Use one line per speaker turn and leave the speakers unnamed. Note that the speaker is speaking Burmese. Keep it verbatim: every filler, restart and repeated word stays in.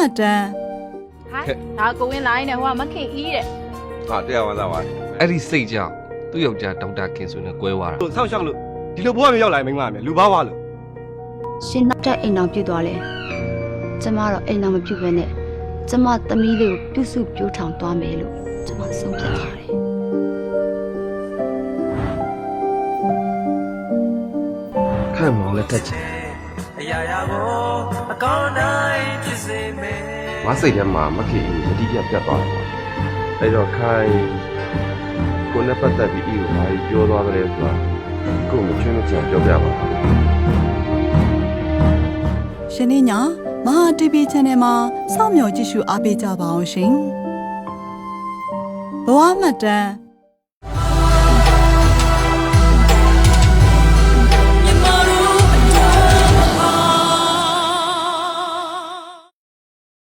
တန်း
ဟဲ့ဒါကိုဝင်လာရင်လည်းဟိုကမခင်အီးတဲ့
ဟာတရားဝင်လာပါ
အဲ့ဒီစိတ်ကြောင့်သူ့ယောက်ျားဒေါက်တာခင်ဆိုနေကွဲသွားတာ
လို့ဆောက်ရှောက်လို့ဒီလိုဘဝမျိုးရောက်လာရင်မိန်းမမယ်လူဘာဝလို့
ရှင်နောက်တဲ့အိမ်တော်ပြုတ်သွားလဲကျမတော့အိမ်တော်မပြုတ်ပဲနဲ့ကျမသမီးလေးကိုပြုစုပြိုးထောင်သွားမယ်လို့ကျမဆုံးဖြတ်ထားတယ်
ခန့်မောင်လည်းထက်ချင်
အရာရာကိုအကောင်းတိုင်းဖြစ်စေမယ်
ငါစိတ်ထဲမှာမခင်အီကိုယတိပြတ်ပြတ်သွားတယ်ပေါ့အဲ့တော့ခိုင်ကိုနဲ့ပတ်သက်ပြီးအီကိုဘာပြောသွားကြလဲဆိုတာကိုမချွင်းမချင်ပြောပြပါ
ရှင်နေညာမဟာ တီဗီ Channel မှာစောင့်မျှော်ကြည့်ရှုအားပေးကြပါအောင်ရှင်ဘဝမှတ်တမ်း